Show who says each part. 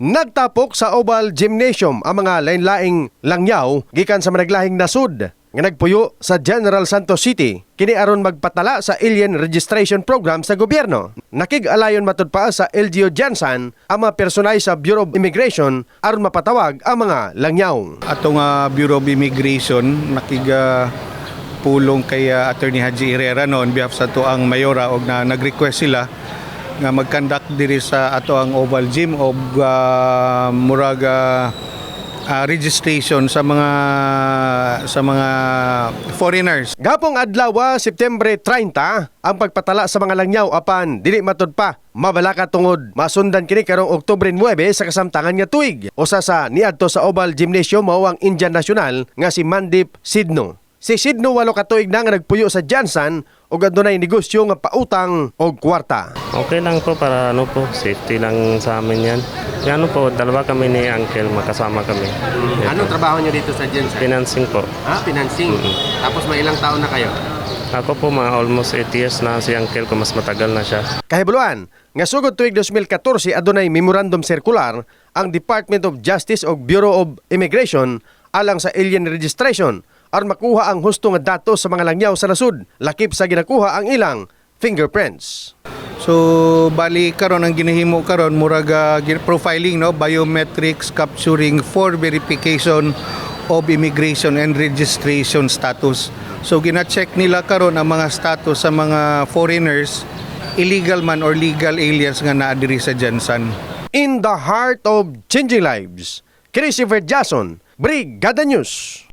Speaker 1: Nagtapok sa Oval Gymnasium ang mga lain-laing langyaw gikan sa managlahing nasud nga nagpuyo sa General Santos City kini aron magpatala sa alien registration program sa gobyerno. Nakig-alayon matud pa sa LGU Jansan ang mga personay sa Bureau of Immigration aron mapatawag ang mga langyaw.
Speaker 2: Atong Bureau of Immigration nakiga pulong kay Attorney Haji Herrera on behalf sa tuang mayora og na nag-request sila nga mag-conduct diri sa ato ang Oval Gym og muraga registration sa mga foreigners.
Speaker 1: Gapong adlaw September 30 ang pagpatala sa mga langyaw apan dili matud pa mabalaka tungod masundan kini karong Oktubre 9 sa kasamtangan nga tuig. Usa sa niadto sa Oval Gymnasium mao ang Indian National nga si Mandip Sidno. Si Sidno 8 ka tuig na nga nagpuyo sa Jansan ug adunay negosyo nga pautang og kwarta.
Speaker 3: Okay lang po para safety lang sa amin yan. Yan po, dalawa kami ni Uncle, makasama kami.
Speaker 1: Anong trabaho niyo dito sa Jansan?
Speaker 3: Financing po.
Speaker 1: Financing. Tapos may ilang taon na kayo?
Speaker 3: Ako po mga almost 8 years na si Uncle ko, mas matagal na siya.
Speaker 1: Kahibuluan, nga sugod tuig 2014 adunay memorandum circular ang Department of Justice o Bureau of Immigration alang sa alien registration aron makuha ang husto nga datos sa mga langyaw sa nasud, lakip sa ginakuha ang ilang fingerprints.
Speaker 2: So bali karon ang ginahimo karon muraga profiling biometrics capturing for verification of immigration and registration status. So gina-check nila karon ang mga status sa mga foreigners, illegal man or legal aliens nga naa diri sa Jansan.
Speaker 1: In the heart of changing lives, Christopher Jason, Brigada News.